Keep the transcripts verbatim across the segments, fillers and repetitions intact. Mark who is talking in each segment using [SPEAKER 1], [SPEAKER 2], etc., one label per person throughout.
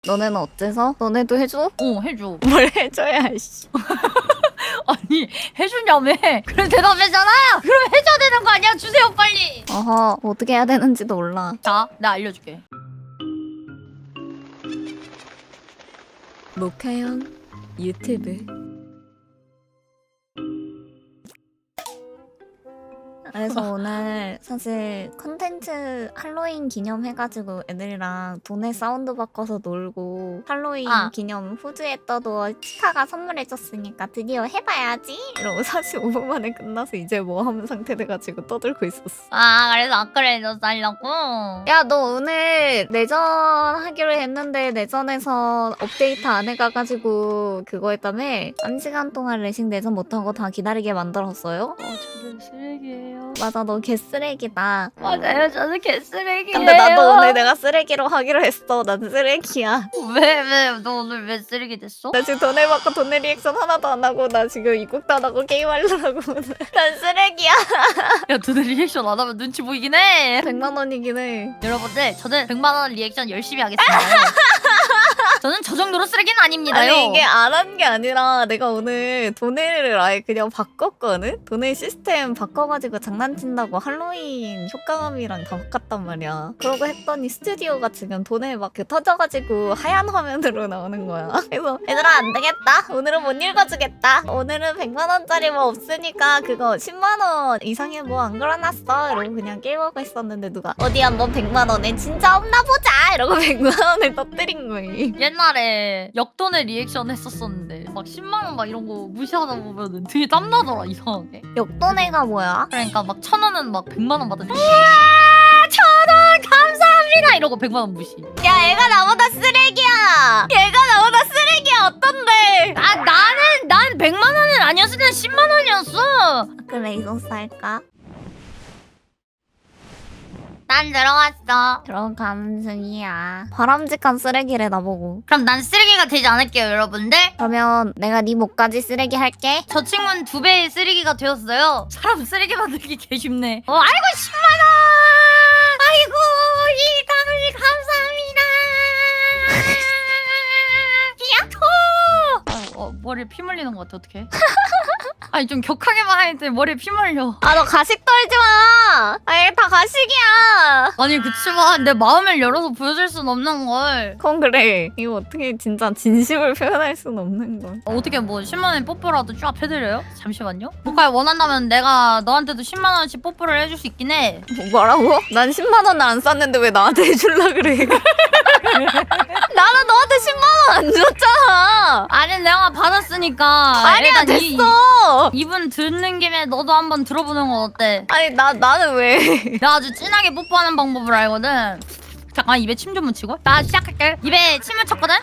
[SPEAKER 1] 너네는 어째서? 너네도 해줘?
[SPEAKER 2] 어 해줘.
[SPEAKER 1] 뭘 해줘야 씨.
[SPEAKER 2] 아니 해주냐며. 그럼 대답했잖아요. 그럼 해줘야 되는 거 아니야? 주세요 빨리.
[SPEAKER 1] 어허, 어떻게 해야 되는지도 몰라.
[SPEAKER 2] 자 내가 알려줄게.
[SPEAKER 1] 모카형 유튜브. 그래서 오늘 사실 컨텐츠 할로윈 기념 해가지고 애들이랑 돈에 사운드 바꿔서 놀고 할로윈
[SPEAKER 2] 아.
[SPEAKER 1] 기념 후즈에 떠도 치카가 선물해줬으니까 드디어 해봐야지 이러고 사십오 분 만에 끝나서 이제 뭐 하는 상태 돼가지고 떠들고 있었어.
[SPEAKER 2] 아 그래서 아크레이저 살려고?
[SPEAKER 1] 야, 너 오늘 내전 하기로 했는데 내전에서 업데이트 안 해가가지고 그거 했다며? 한 시간 동안 레싱 내전 못하고 다 기다리게 만들었어요?
[SPEAKER 2] 어 저는 쓰레기예요.
[SPEAKER 1] 맞아, 너 개쓰레기다.
[SPEAKER 2] 맞아요 저는 개쓰레기예요.
[SPEAKER 1] 근데 나도 오늘 내가 쓰레기로 하기로 했어. 난 쓰레기야.
[SPEAKER 2] 왜 왜 너 오늘 왜 쓰레기 됐어?
[SPEAKER 1] 나 지금 돈을 받고 돈의 리액션 하나도 안 하고 나 지금 입국도 안 하고 게임하려고 오늘. 난 쓰레기야.
[SPEAKER 2] 야 너네 리액션 안 하면 눈치 보이긴 해.
[SPEAKER 1] 백만 원이긴 해.
[SPEAKER 2] 여러분들 저는 백만 원 리액션 열심히 하겠습니다. 저는 저 정도로 쓰레기는 아닙니다요.
[SPEAKER 1] 아니 이게 안 한 게 아니라 내가 오늘 도네를 아예 그냥 바꿨거든? 도네 시스템 바꿔가지고 장난친다고 할로윈 효과음이랑 다 바꿨단 말이야. 그러고 했더니 스튜디오가 지금 도네 막 그 터져가지고 하얀 화면으로 나오는 거야. 그래서 얘들아 안 되겠다. 오늘은 못 읽어주겠다. 오늘은 백만 원짜리 뭐 없으니까 그거 십만 원 이상의 뭐 안 걸어놨어. 이러고 그냥 게임하고 있었는데 누가 어디 한번 백만 원에 진짜 없나 보자. 이러고 백만 원을 터뜨린 거임.
[SPEAKER 2] 옛날에 역돈의 리액션 했었었는데 막 십만 원 막 이런 거 무시하다 보면은 되게 땀나더라 이상하게.
[SPEAKER 1] 역도네가 뭐야?
[SPEAKER 2] 그러니까 막 천 원은 막 백만 원 받으면 우와 천 원 감사합니다 이러고 백만 원 무시.
[SPEAKER 1] 야, 얘가 나보다 쓰레기야. 얘가 나보다 쓰레기야. 어떤데?
[SPEAKER 2] 아 나는 난 백만 원은 아니었으면 십만 원이었어.
[SPEAKER 1] 그래, 이소스 할까?
[SPEAKER 2] 난 들어왔어.
[SPEAKER 1] 그런 감성이야. 바람직한 쓰레기래 나보고.
[SPEAKER 2] 그럼 난 쓰레기가 되지 않을게요 여러분들.
[SPEAKER 1] 그러면 내가 네 목까지 쓰레기 할게.
[SPEAKER 2] 저 친구는 두 배의 쓰레기가 되었어요. 사람 쓰레기 만들기 개 쉽네. 어, 아이고 십만 원. 아이고 이 가을 감사합니다. 야호. 아이고, 어, 머리에 피 물리는 것 같아 어떡해. 아니 좀 격하게만 하는데 머리에 피 물려.
[SPEAKER 1] 아, 너 가식 떨지 마. 아, 얘 다 가식이야.
[SPEAKER 2] 아니 그치만 내 마음을 열어서 보여줄 순 없는 걸.
[SPEAKER 1] 그건 그래. 이거 어떻게 진짜 진심을 표현할 순 없는 걸.
[SPEAKER 2] 어, 어떻게 뭐 십만 원에 뽀뽀라도 쫙 해드려요? 잠시만요. 모카야 원한다면 내가 너한테도 십만 원씩 뽀뽀를 해줄 수 있긴 해.
[SPEAKER 1] 뭐, 뭐라고? 난 십만 원을 안 쌌는데 왜 나한테 해줄라 그래? 나는 너한테 십만 원 안 줬잖아.
[SPEAKER 2] 아니 내가 받았으니까.
[SPEAKER 1] 아니야,
[SPEAKER 2] 일단 이-
[SPEAKER 1] 됐어.
[SPEAKER 2] 이분 듣는 김에 너도 한번 들어보는 건 어때?
[SPEAKER 1] 아니, 나, 나는 왜?
[SPEAKER 2] 내가 아주 진하게 뽀뽀하는 방법을 알거든. 잠깐 입에 침 좀 묻히고. 나 시작할게. 입에 침 묻혔거든.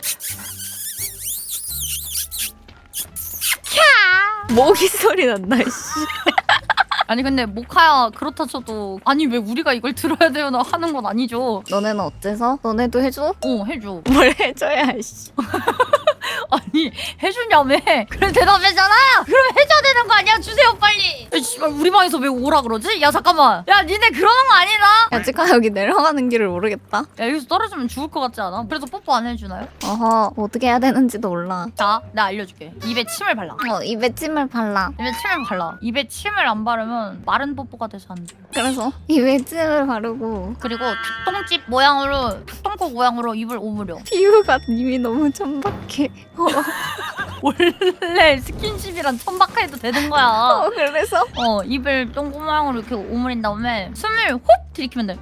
[SPEAKER 2] 캬.
[SPEAKER 1] 모기 소리 난다, 씨.
[SPEAKER 2] 아니 근데 모카야 그렇다 쳐도 아니 왜 우리가 이걸 들어야 돼요? 나 하는 건 아니죠.
[SPEAKER 1] 너네는 어째서? 너네도 해줘?
[SPEAKER 2] 어 해줘.
[SPEAKER 1] 뭘 해줘야 씨.
[SPEAKER 2] 아니 해주냐며. 그래 대답했잖아요. 그럼 해줘야 되는 거 아니야? 주세요 빨리. 야, 씨발 우리 방에서 왜 오라 그러지? 야 잠깐만. 야 니네 그러는 거 아니다.
[SPEAKER 1] 야, 치카 여기 내려가는 길을 모르겠다.
[SPEAKER 2] 야 여기서 떨어지면 죽을 것 같지 않아? 그래서 뽀뽀 안 해주나요?
[SPEAKER 1] 어허, 어떻게 해야 되는지도 몰라.
[SPEAKER 2] 자 내가 알려줄게. 입에 침을 발라.
[SPEAKER 1] 어, 입에 침을 발라.
[SPEAKER 2] 입에 침을 발라. 입에 침을 안 바르면 마른 뽀뽀가 돼서 안 돼.
[SPEAKER 1] 그래서 입에 침을 바르고
[SPEAKER 2] 그리고 닭똥집 모양으로 닭똥꼬 모양으로 입을 오므려.
[SPEAKER 1] 피부가 이미 너무 천박해. 어,
[SPEAKER 2] 원래 스킨십이란 천박해도 되는 거야.
[SPEAKER 1] 어, 그래서?
[SPEAKER 2] 어 입을 똥꼬 모양으로 이렇게 오므린 다음에 숨을 홉 들이키면 돼.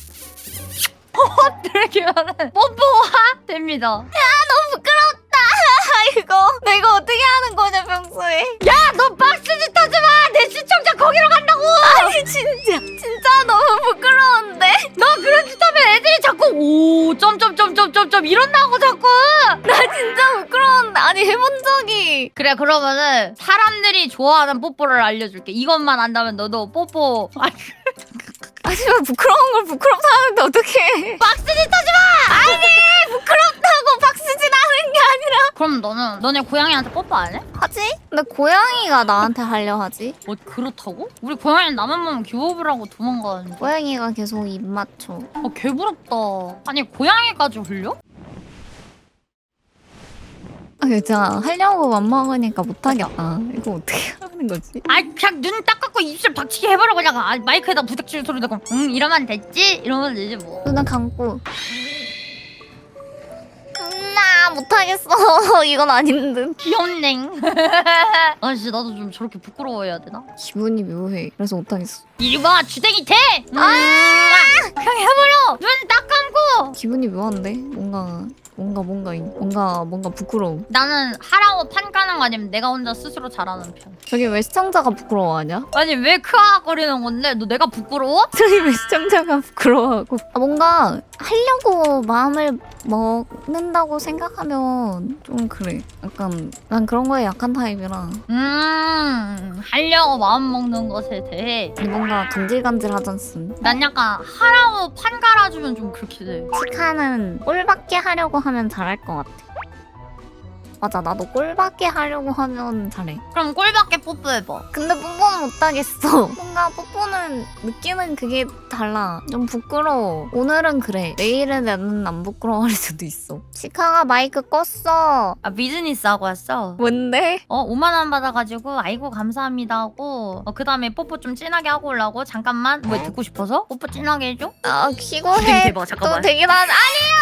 [SPEAKER 2] 홉 들이키면은 뽀뽀가 됩니다.
[SPEAKER 1] 너무 부끄럽다. 이거 내가 어떻게 하는 거냐 평소에.
[SPEAKER 2] 야 너 박스짓 하지 마. 내 시청자 거기로 간다고.
[SPEAKER 1] 아니 진짜 진짜 너무 부끄러운데.
[SPEAKER 2] 너 그런 짓 하면 애들이 자꾸 오 점점점점점점 이런다고 자꾸.
[SPEAKER 1] 나 진짜 부끄러운데. 아니 해본 적이.
[SPEAKER 2] 그래 그러면은 사람들이 좋아하는 뽀뽀를 알려줄게. 이것만 안다면 너도 뽀뽀. 아,
[SPEAKER 1] 하지만 부끄러운 걸 부끄럽다 하는데 어떡해.
[SPEAKER 2] 박스짓 하지 마.
[SPEAKER 1] 아니 부끄럽다고 박수질 하는 게 아니라.
[SPEAKER 2] 그럼 너는 너네 고양이한테 뽀뽀 안 해?
[SPEAKER 1] 하지? 근데 고양이가 나한테 하려 하지.
[SPEAKER 2] 뭐 그렇다고? 우리 고양이는 나만 보면 기호흡을 하고 도망가는데.
[SPEAKER 1] 고양이가 계속 입 맞춰.
[SPEAKER 2] 아 개부럽다. 아니 고양이까지 흘려?
[SPEAKER 1] 아 진짜 하려고 맘먹으니까 못하겠다. 이거 어떻게 하는 거지?
[SPEAKER 2] 아 그냥 눈 딱 감고 입술 박치기 해버려 그냥. 아, 마이크에다 부닥치는 소리 듣고 응 이러면 됐지? 이러면 되지 뭐.
[SPEAKER 1] 눈을 감고. 나 못하겠어. 이건 아닌 듯.
[SPEAKER 2] 귀엽냉. 아 진짜 나도 좀 저렇게 부끄러워해야 되나?
[SPEAKER 1] 기분이 묘해. 그래서 못하겠어.
[SPEAKER 2] 이리 와 주댕이 돼! 음, 아 그냥 해버려! 눈 딱 감고!
[SPEAKER 1] 기분이 묘한데? 뭔가 뭔가 뭔가 뭔가 뭔가 부끄러워.
[SPEAKER 2] 나는 하라고 판 까는 거 아니면 내가 혼자 스스로 잘하는 편.
[SPEAKER 1] 저기 왜 시청자가 부끄러워하냐?
[SPEAKER 2] 아니 왜 크악거리는 건데? 너 내가 부끄러워?
[SPEAKER 1] 저기 왜 시청자가 부끄러워하고? 아, 뭔가 하려고 마음을 먹는다고 생각하면 좀 그래. 약간 난 그런 거에 약한 타입이라
[SPEAKER 2] 음 하려고 마음 먹는 것에 대해
[SPEAKER 1] 뭔가 간질간질하잖음.
[SPEAKER 2] 난 약간 하라고 판 갈아주면 좀 그렇게 돼.
[SPEAKER 1] 치카는 꼴받게 하려고 하면 잘할 것 같아. 맞아, 나도 꼴받게 하려고 하면 잘해.
[SPEAKER 2] 그럼 꼴밖에 뽀뽀해봐.
[SPEAKER 1] 근데 뽀뽀는 못하겠어. 뭔가 뽀뽀는 느끼는 그게 달라. 좀 부끄러워. 오늘은 그래. 내일은 나는 안 부끄러워할 수도 있어. 치카가 마이크 껐어.
[SPEAKER 2] 아 비즈니스 하고 왔어.
[SPEAKER 1] 뭔데?
[SPEAKER 2] 어 오만 원 받아가지고 아이고 감사합니다 하고 어, 그 다음에 뽀뽀 좀 진하게 하고 오려고. 잠깐만 뭐 듣고 싶어서? 뽀뽀 진하게 해줘?
[SPEAKER 1] 아, 키고
[SPEAKER 2] 되게
[SPEAKER 1] 해.
[SPEAKER 2] 대박, 잠깐만.
[SPEAKER 1] 또 되게 난 아니야.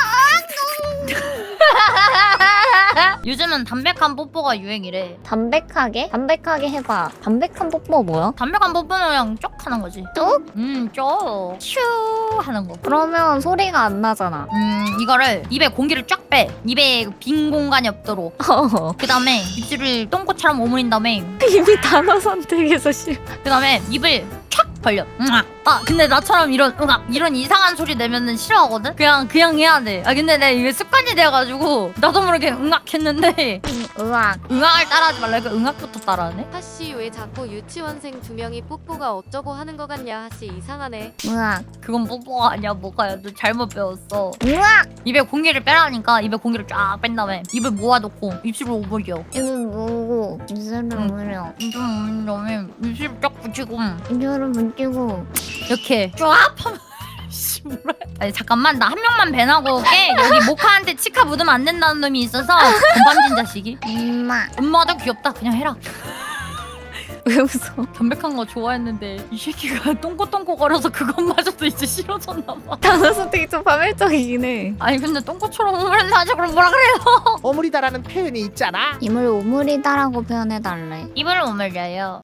[SPEAKER 2] 요즘은 담백한 뽀뽀가 유행이래.
[SPEAKER 1] 담백하게? 담백하게 해봐. 담백한 뽀뽀 뭐야?
[SPEAKER 2] 담백한 뽀뽀는 그냥 쪽 하는 거지.
[SPEAKER 1] 쭉?
[SPEAKER 2] 음쪽 슈 하는 거.
[SPEAKER 1] 그러면 소리가 안 나잖아.
[SPEAKER 2] 음 이거를 입에 공기를 쫙 빼. 입에 빈 공간이 없도록. 그 다음에 입술을 똥꼬처럼 오므린 다음에
[SPEAKER 1] 이미 단어 선택에서 싫어.
[SPEAKER 2] 그 다음에 입을 촥 벌려. 응아. 아 근데 나처럼 이런 응아 이런 이상한 소리 내면은 싫어하거든. 그냥 그냥 해야 돼. 아 근데 내가 이게 습관이 돼가지고 나도 모르게 응악 했는데
[SPEAKER 1] 으악.
[SPEAKER 2] 응악을 따라하지 말라니까 응악부터 따라하네.
[SPEAKER 3] 하씨 왜 자꾸 유치원생 두 명이 뽀뽀가 어쩌고 하는 거 같냐. 하씨 이상하네.
[SPEAKER 1] 으악.
[SPEAKER 2] 그건 뽀뽀가 아니야 뭐가야. 너 잘못 배웠어.
[SPEAKER 1] 으악.
[SPEAKER 2] 입에 공기를 빼라니까 입에 공기를 쫙 뺀 다음에 입을 모아놓고 입술을 오므려.
[SPEAKER 1] 입을 모으고 입술을
[SPEAKER 2] 응.
[SPEAKER 1] 오므려.
[SPEAKER 2] 입술 오므린 다음에 입술 쫙 붙이고
[SPEAKER 1] 입술을 문지고.
[SPEAKER 2] 이렇게 쫙 하면 씨 뭐라 아니 잠깐만 나 한 명만 배나고 올게. 여기 모카한테 치카 묻으면 안 된다는 놈이 있어서 건방진 자식이.
[SPEAKER 1] 엄마.
[SPEAKER 2] 엄마도 귀엽다 그냥 해라.
[SPEAKER 1] 왜 웃어?
[SPEAKER 2] 담백한 거 좋아했는데 이 새끼가 똥꼬똥꼬 거려서 그것마저도 이제 싫어졌나 봐.
[SPEAKER 1] 단어 선택이 좀 파멸적이긴 해.
[SPEAKER 2] 아니 근데 똥꼬처럼 오므린다 하지 그럼 뭐라 그래요.
[SPEAKER 4] 어물이다라는 표현이 있잖아.
[SPEAKER 1] 입을 오므리다라고 표현해달래.
[SPEAKER 2] 입을 오므려요.